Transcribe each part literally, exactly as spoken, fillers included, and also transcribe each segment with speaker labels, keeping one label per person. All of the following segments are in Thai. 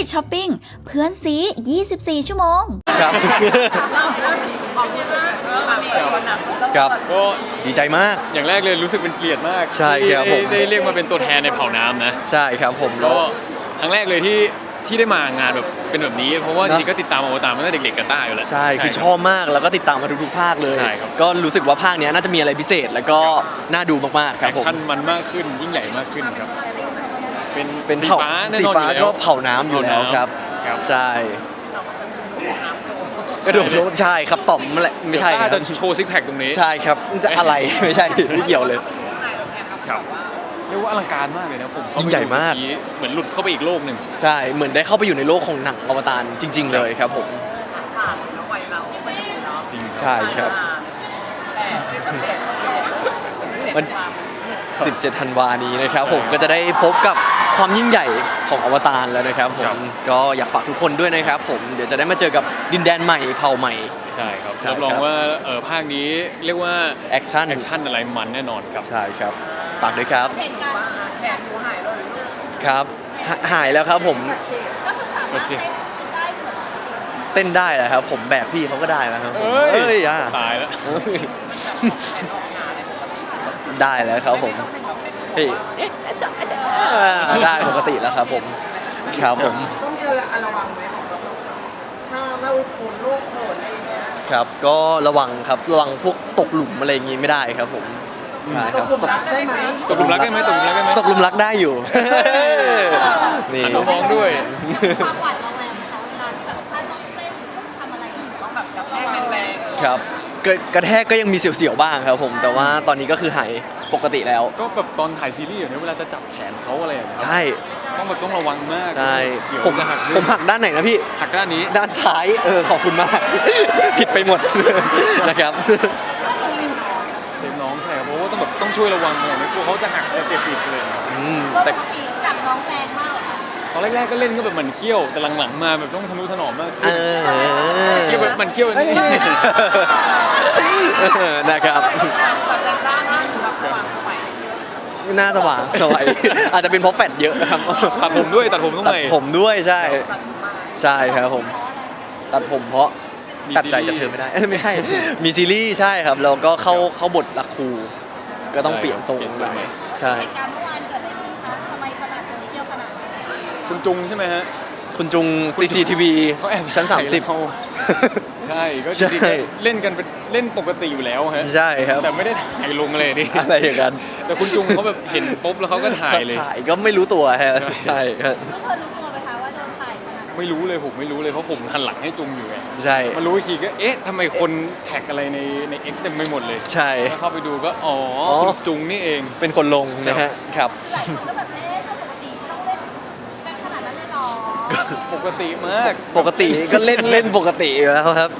Speaker 1: ช้อปปิ้งเพื่อนซียี่สิบสี่ชั่วโมง
Speaker 2: ครับครับก็ดีใจมาก
Speaker 3: อย่างแรกเลยรู้สึกเป็นเกียรติมาก
Speaker 2: ใช่ครับผม
Speaker 3: ได้เรียกมาเป็นตัวแทนในเผ่าน้ำนะ
Speaker 2: ใช่ครับผม
Speaker 3: แล้วครั้งแรกเลยที่ที่ได้มางานแบบเป็นแบบนี้เพราะว่าจริงๆก็ติดตามอวตารมาตั้งแต่เด็กๆกับต้าอยู่แล้ว
Speaker 2: ใช่คือชอบมากแล้วก็ติดตามมาทุกๆภาคเลย
Speaker 3: ใช่ครับ
Speaker 2: ก็รู้สึกว่าภาคนี้น่าจะมีอะไรพิเศษแล้วก็น่าดูมากๆครับผม
Speaker 3: แอคชั่นมันมากขึ้นยิ่งใหญ่มากขึ้นครับเป็น
Speaker 2: เป็น
Speaker 3: สีฟ้าแน่นอน
Speaker 2: สีฟ้าก็เผาน้ำอยู่แล้วครับใช่กระโดดลงใช่ครับต่อมแหละไม่ใช่
Speaker 3: จะโชว์ซิกแพคตรงนี้
Speaker 2: ใช่ครับจะอะไรไม่ใช่ไม่เกี่ยวเลย
Speaker 3: ครับเรียกว่าอลังการมากเลยนะผม
Speaker 2: ยิ่งใหญ่มาก
Speaker 3: เหมือนหลุดเข้าไปอีกโลกหนึ่ง
Speaker 2: ใช่เหมือนได้เข้าไปอยู่ในโลกของหนังอวตารจริงๆเลยครับผมใช่ครับมันสิบเจ็ดธันวานี้นะครับผมก็จะได้พบกับความยิ่งใหญ่ของอวตารแล้วนะครับผมก็อยากฝากทุกคนด้วยนะครับผมเดี๋ยวจะได้มาเจอกับดินแดนใหม่เผ่าใหม่
Speaker 3: ใช่ครับรับรองว่าเออภาคนี้เรียกว่า
Speaker 2: แอคชั่น
Speaker 3: แอคชั่นอะไรมันแน่นอนครับ
Speaker 2: ใช่ครับฝากด้วยครับครับหายแล้วครับผมเต้นได้แล้วครับผมแบกพี่เขาก็ได้แล้วครับ
Speaker 3: เอ้ยตายแล้ว
Speaker 2: ได้แล้วครับผมได้ปกติแล้วครับผมครับผม
Speaker 4: ต้องมีอะไรระวังไหมถ้าเราโผล่โลกโผล่อะไรอย่างเงี้ย
Speaker 2: ครับก็ระวังครับระวังพวกตกหลุมอะไรอย่างงี้ไม่ได้ครับผมใช่ครับ
Speaker 4: ตกหลุมรักได้ไหม
Speaker 3: ตกหลุมรักได้ไหมตกหลุมรักได้ไหม
Speaker 2: ตกหลุมรักได้อยู่
Speaker 3: นี่น้องๆด้วย
Speaker 1: ความหวาดระแวงเขาเวลาที่แบบถ้าต้องเต้นต้องทำอะไรต้องแบบกระแทกแรง
Speaker 2: ครับกระแทกก็ยังมีเสียวๆบ้างครับผมแต่ว่าตอนนี้ก็คือหายปกติแล้ว
Speaker 3: ก็แบบตอนถ่ายซีรีส์อย่างนี้เวลาจะจับแขนเขาอะไรอย่างเงี้ย
Speaker 2: ใช่
Speaker 3: ต้องแบบต้องระวังมาก
Speaker 2: ใช่ผมผมหักด้านไหนนะพี่
Speaker 3: หักด้านนี้
Speaker 2: ด้านซ้ายเออขอบคุณมากผิดไปหมดนะครับ
Speaker 3: เซฟน้องใช่ครับเพราะว่าต้องแบบต้องช่วยระวังหน่อยไม่กลัวเขาจะหักจะเจ็บอีกเลย
Speaker 1: แต่จับน้องแรงมาก
Speaker 3: ตอนแรกๆก็เล่นก็แบบมันเขี้ยวแต่หลังๆมาแบบต้องทะนุถนอมมาก
Speaker 2: เออ
Speaker 3: เขี้ยวแบบมันเขี้ยวนี่
Speaker 2: นะครับหน้าสว่างสวยอาจจะเป็นเพราะแฟตเยอะครับ
Speaker 3: ตัดผมด้วยตัดผมต้อง
Speaker 2: ตัดผมด้วยใช่ใช่ครับผมตัดผมเพราะตัดใจจากเธอไม่ได้ไม่ใช่มีซีรีส์ใช่ครับแล้วก็เข้าเข้าบทรักครูก็ต้องเปลี่ยนทรงหน่อยใช่
Speaker 1: เหตุการณ์เมื่อวานเกิดอะไรขึ้นคะทำไมขนาดเที่ยวขนาด
Speaker 3: คุณจุงใช่ไหมฮะ
Speaker 2: คุณจุง ซี ซี ที วี ชั้นสามสิบ
Speaker 3: ใช่ก็จริงๆเล่นกันเป็นเล่นปกติอยู่แล้วฮะ
Speaker 2: ใช่ครับ
Speaker 3: แต่ไม่ได้ถ่ายลงเลยนี่
Speaker 2: อะไรอย่างนั้น
Speaker 3: แต่คุณจุงเขาแบบเห็นปุ๊บแล้วเขาก็ถ่ายเลย
Speaker 2: ถ่ายก็ไม่รู้ตัวฮะใช่ครับ
Speaker 1: รู้เธอรู้ตัวไหมคะว่าโดนถ่าย
Speaker 3: ไม่รู้เลยผมไม่รู้เลยเพราะผมหันหลังให้จุงอยู่ไง
Speaker 2: ใช่
Speaker 3: มารู้อีกทีก็เอ๊ะทำไมคนแท็กอะไรในในเอ็กซ์เต็มไปหมดเลย
Speaker 2: ใช่
Speaker 3: เข้าไปดูก็อ๋อคุณจุงนี่เอง
Speaker 2: เป็นคนลงนะฮะครับ
Speaker 1: หลายคนก็แบบเอ๊ะปกติต้องเล่นกันขนาดนั้นเลยหรอ
Speaker 3: ปกติมาก
Speaker 2: ปกติก็เล่นเล่นปกติอยู่แล้วครับ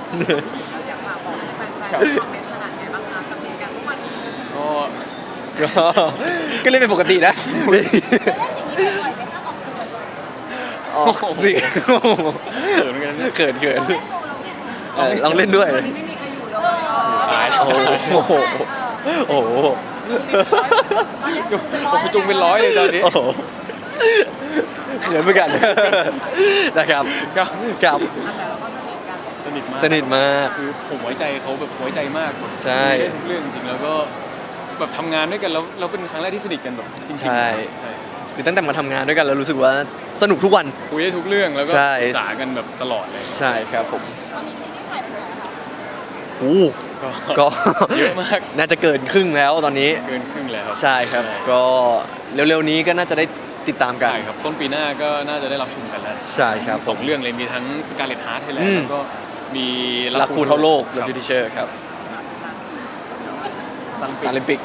Speaker 2: ก็ก็เล่นเป็นปกตินะออกเสียงเขินเขินลองเล่นด้วยโอ้โหโอ้โห
Speaker 3: จุงเป็นร้อยเลยตอนนี้
Speaker 2: เขินเหมือนกันนะครับครับ
Speaker 3: สนิทมาก
Speaker 2: สนิทมาก
Speaker 3: คือผมไว้ใจเขาแบบไว้ใจมาก
Speaker 2: ใช่
Speaker 3: ทุกเรื่องจริงแล้วก็แบบทำงานด้วยกันแล้วเราเป็นครั้งแรกที่สนิทกันแบบจริงๆใช่
Speaker 2: คือตั้งแต่มาทำงานด้วยกันเรารู้สึกว่าสนุกทุกวัน
Speaker 3: คุยได้ทุกเรื่องแล้วก็ปรึกษากันแบบตลอดเลย
Speaker 2: ใช่ครับผมโอ้ก็
Speaker 3: เยอะมาก
Speaker 2: น่าจะเกินครึ่งแล้วตอนนี้
Speaker 3: เกินครึ่งแล้ว
Speaker 2: ใช่ครับก็เร็วๆนี้ก็น่าจะได้ติดตามกัน
Speaker 3: ใช่ครับต้นปีหน้าก็น่าจะได้รับชมกันแล้ว
Speaker 2: ใช่ครับ
Speaker 3: สองเรื่องเลยมีทั้ง Scarlet Heart Thailand แล้วก็มี
Speaker 2: รักคูเท่าโลก The Teacher ครับ Star Olympic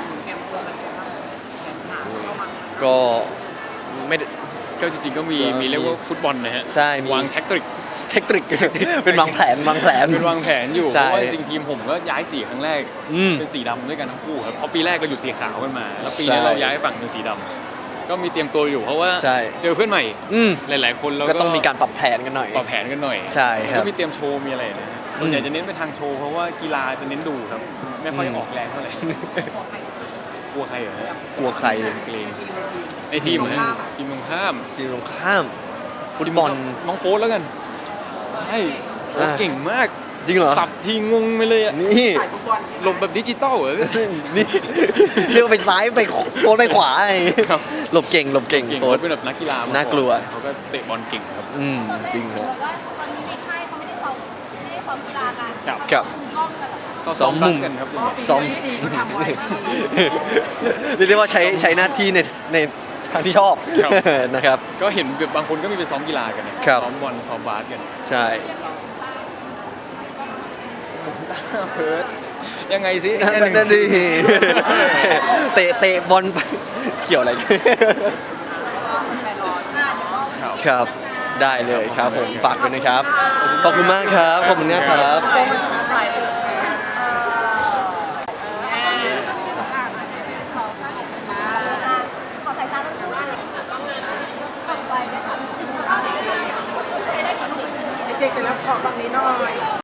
Speaker 2: ก็ไม่
Speaker 3: ก็จริงๆก็มีมีเรียกว่าฟุตบอลนะฮะ
Speaker 2: ใช่
Speaker 3: วางแท็กติก
Speaker 2: เทคนิคเป็นวางแผนวางแผน
Speaker 3: เป็นวางแผนอยู่เพราะว่าจริงๆทีมผมก็ย้ายสีครั้งแรกเป็นสีดำด้วยกันทั้งคู่ครับเพราะปีแรกเราอยู่สีขาวกันมาแล้วปีนี้เราย้ายฝั่งเป็นสีดำก็มีเตรียมตัวอยู่เพราะว่าเจอเพื่อนใหม่หลายๆคนเรา
Speaker 2: ก็ต้องมีการปรับแผนกันหน่อย
Speaker 3: ปรับแผนกันหน่อย
Speaker 2: ใช่ครับ
Speaker 3: ก็มีเตรียมโชว์มีอะไรนะส่วนใหญ่จะเน้นไปทางโชว์เพราะว่ากีฬาจะเน้นดูครับไม่ค่อยออกแรงเท่าไหร่กลัวใครเหรอก
Speaker 2: ลัวใคร
Speaker 3: เกรงในทีมเหรอทีมตรงข้าม
Speaker 2: ทีมตรงข้ามฟุตบอล
Speaker 3: น้องโฟสแล้วกันใช่โอ้
Speaker 2: อ่า
Speaker 3: เก่งมาก
Speaker 2: จริงเหรอ
Speaker 3: สับทีงงไปเลยอะ
Speaker 2: นี่
Speaker 4: ถ่ายฟุตบอลใช่ไหม
Speaker 3: หลบแบบดิจิตอลเหรอ
Speaker 2: นี่เรียกว่าไปซ้ายไปโค้ไปขวาไง
Speaker 3: ครับ
Speaker 2: หลบเก่งหลบเก่ง
Speaker 3: เก่ง
Speaker 2: โค้
Speaker 3: เขา
Speaker 2: ช
Speaker 3: เป็นแบบนักกีฬามา
Speaker 2: น่ากลัว
Speaker 3: เขาก็เตะบอลเก่งครับ
Speaker 2: อืมจริงครับ
Speaker 1: บอกว่าตอนนี้ในค่ายเขาไม่ได้ซ้อมไม่ได้ซ้อมกีฬากัน
Speaker 3: ครับ
Speaker 2: ครับ
Speaker 1: กล้องกันเหรอคะ
Speaker 3: ก็
Speaker 2: ซ้อมมุม
Speaker 3: รักกันครับ
Speaker 2: ซ้อม
Speaker 4: ปีก็ทำไว้
Speaker 2: เรียกได้ว่าใช้ใช้หน้าที่ในในทางที่ชอบ
Speaker 3: ครับ
Speaker 2: นะครับ
Speaker 3: ก็เห็นแบบบางคนก็มีไปซ้อมกีฬากันนะครับ ซ้อมบอลซ้อมบาสกัน
Speaker 2: ใช่
Speaker 3: เพิร์ดยังไงสิ
Speaker 2: นั่นดีเตะเตะบอลไปเกี่ยวอะไร
Speaker 3: ครับ
Speaker 2: ครับ ได้เลยครับผมฝากด้วยนะครับ ขอบคุณมากครับ ขอบคุณนะครับ
Speaker 1: ขอสายตาต้องดูอะไรต่อไปนะคะ
Speaker 4: เด็กๆเสร็จแล้วขอฝั่งนี้หน่อย